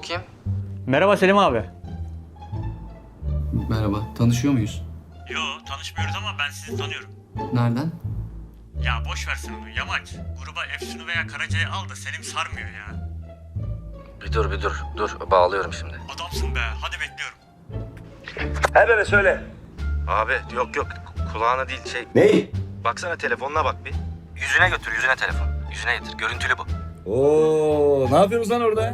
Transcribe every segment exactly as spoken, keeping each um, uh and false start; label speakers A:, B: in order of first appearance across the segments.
A: kim?
B: Merhaba Selim abi.
C: Merhaba, tanışıyor muyuz?
B: Yo, tanışmıyoruz ama ben sizi tanıyorum.
C: Nereden?
B: Ya boş versin onu Yamaç. Gruba Efsun'u veya Karaca'yı al da Selim sarmıyor ya.
A: Bir dur bir dur. Dur bağlıyorum şimdi.
B: Adamsın be, hadi bekliyorum.
D: He bebe söyle.
A: Abi yok yok kulağına değil şey.
D: Ney?
A: Baksana telefonuna bak bir. Yüzüne götür yüzüne telefon. Yüzüne getir. Görüntülü bu.
D: Oo, ne yapıyorsunuz lan orada?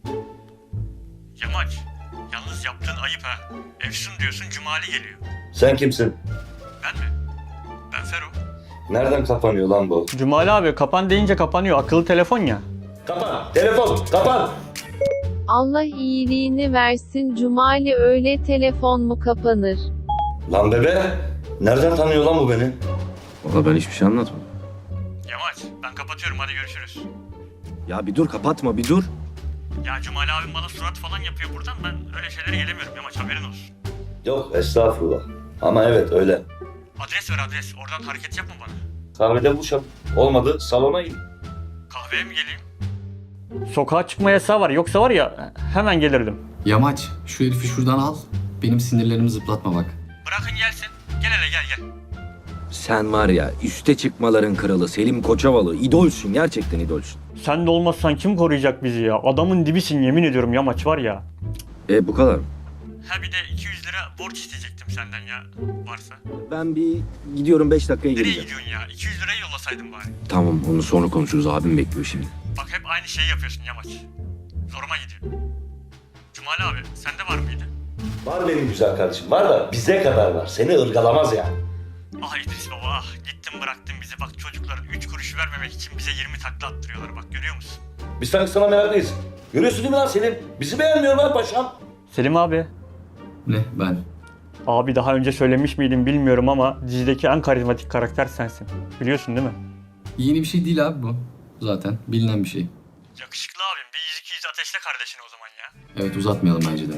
B: Yamaç, yalnız yaptığın ayıp ha. Efsun diyorsun, Cumali geliyor.
D: Sen kimsin?
B: Ben mi? Ben Fero.
D: Nereden kapanıyor lan bu?
B: Cumali abi kapan deyince kapanıyor. Akıllı telefon ya.
D: Kapan. Telefon. Kapan.
E: Allah iyiliğini versin Cumali, öyle telefon mu kapanır?
D: Lan bebe. Nereden tanıyor lan bu beni?
A: Valla ben hiçbir şey anlatmadım.
B: Yamaç, ben kapatıyorum, hadi görüşürüz.
A: Ya bir dur kapatma bir dur.
B: Ya Cumali abim bana surat falan yapıyor buradan. Ben öyle şeylere gelemiyorum Yamaç, haberin olsun.
D: Yok estağfurullah. Ama evet öyle.
B: Adres ver adres, oradan hareket yapma bana.
D: Kahvede buluşalım. Olmadı salona in.
B: Kahveye mi geleyim? Sokağa çıkma yasağı var. Yoksa var ya hemen gelirdim.
C: Yamaç, şu herifi şuradan al. Benim sinirlerimi zıplatma bak.
B: Bırakın gelsin. Gel hele gel gel.
F: Sen var ya üste çıkmaların kralı Selim Koçovalı. İdolsün, gerçekten idolsün.
B: Sen de olmazsan kim koruyacak bizi ya? Adamın dibisin yemin ediyorum Yamaç var ya.
F: E bu kadar mı?
B: Ha bir de iki yüz lira borç isteyecektim senden ya varsa.
F: Ben bir gidiyorum, beş dakikaya
B: Nereye
F: geleceğim.
B: gidiyorsun ya? iki yüz lirayı yollasaydın bari.
F: Tamam, onu sonra konuşuruz, abim bekliyor şimdi.
B: Bak hep aynı şeyi yapıyorsun Yamaç. Zoruma gidiyor. Cumali abi sende var mıydı?
D: Var benim güzel kardeşim. Var da bize kadar var. Seni ırgalamaz yani.
B: Ah İdris baba ah. Gittin bıraktın bizi. Bak çocukların üç kuruş vermemek için bize yirmi takla attırıyorlar. Bak görüyor musun?
D: Biz sanki sana meraklıyız. Görüyorsun değil mi lan Selim? Bizi beğenmiyor lan paşam.
B: Selim abi.
C: Ne, ben?
B: Abi daha önce söylemiş miydim bilmiyorum ama dizideki en karizmatik karakter sensin. Biliyorsun değil mi?
C: Yeni bir şey değil abi bu. Zaten bilinen bir şey.
B: Yakışıklı abim bir yüz iki yüz ateşle kardeşini o zaman ya.
C: Evet, uzatmayalım bence de.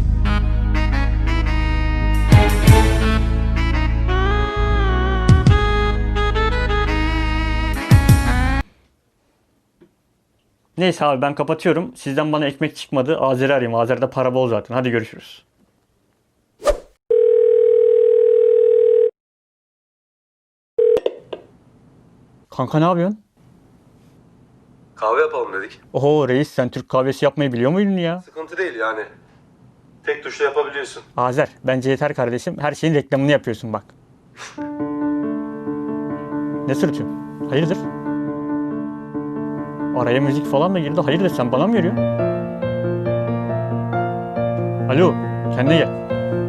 B: Neyse abi ben kapatıyorum. Sizden bana ekmek çıkmadı. Azer'i arayayım. Azer'de para bol zaten. Hadi görüşürüz. Kanka ne yapıyorsun?
G: Kahve yapalım dedik.
B: Oho reis sen Türk kahvesi yapmayı biliyor muydun ya?
G: Sıkıntı değil yani. Tek tuşla yapabiliyorsun.
B: Azer bence yeter kardeşim. Her şeyin reklamını yapıyorsun bak. Ne sırıtıyorsun? Hayırdır? Araya müzik falan da girdi. Hayırdır sen bana mı veriyorsun? Alo kendine gel.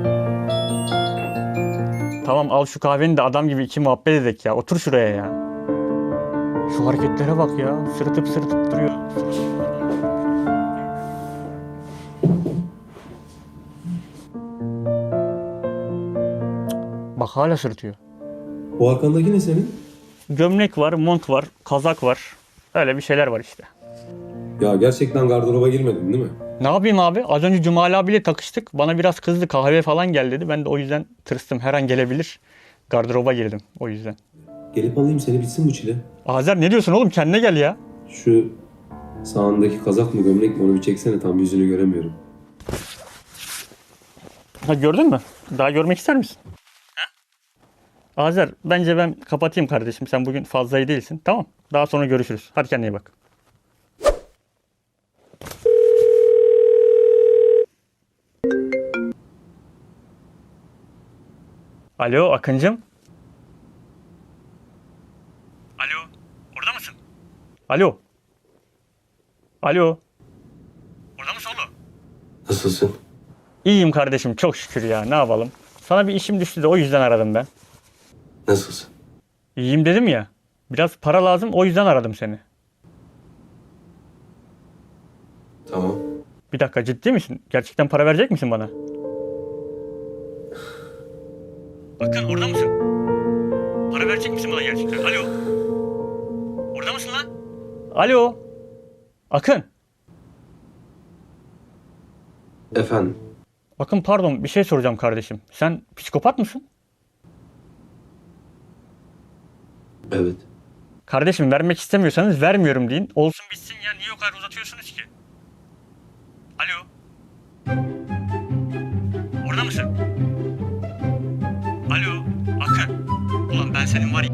B: Tamam al şu kahveni de adam gibi iki muhabbet edek ya. Otur şuraya ya. Şu hareketlere bak ya. Sırıtıp sırıtıp duruyor. Bak hala sırıtıyor.
G: O arkandaki ne senin?
B: Gömlek var, mont var, kazak var. Öyle bir şeyler var işte.
G: Ya gerçekten gardıroba girmedin değil mi?
B: Ne yapayım abi? Az önce Cumali abiyle takıştık. Bana biraz kızdı. Kahve falan gel dedi. Ben de o yüzden tırstım. Her an gelebilir. Gardıroba girdim o yüzden.
G: Gelip alayım seni, bitsin bu çile.
B: Azer ne diyorsun oğlum? Kendine gel ya.
G: Şu sağındaki kazak mı gömlek mi onu bir çeksene, tam yüzünü göremiyorum.
B: Ha gördün mü? Daha görmek ister misin? Ha? Azer bence ben kapatayım kardeşim. Sen bugün fazla iyi değilsin. Tamam. Daha sonra görüşürüz. Hadi kendine iyi bak. Alo Akıncım. Alo. Orada mısın? Alo. Alo. Orada mısın oğlum?
G: Nasılsın?
B: İyiyim kardeşim çok şükür ya. Ne yapalım? Sana bir işim düştü de o yüzden aradım ben.
G: Nasılsın?
B: İyiyim dedim ya. Biraz para lazım o yüzden aradım seni.
G: Tamam.
B: Bir dakika ciddi misin? Gerçekten para verecek misin bana? Bakın orada mısın? Para verecek misin bana gerçekten? Alo. Orada mısın lan? Alo. Akın.
G: Efendim?
B: Bakın pardon bir şey soracağım kardeşim. Sen psikopat mısın?
G: Evet.
B: Kardeşim vermek istemiyorsanız vermiyorum deyin. Olsun bitsin ya niye o kadar uzatıyorsunuz ki? Alo. Orada mısın? Alo. Akın. Ulan ben senin var ya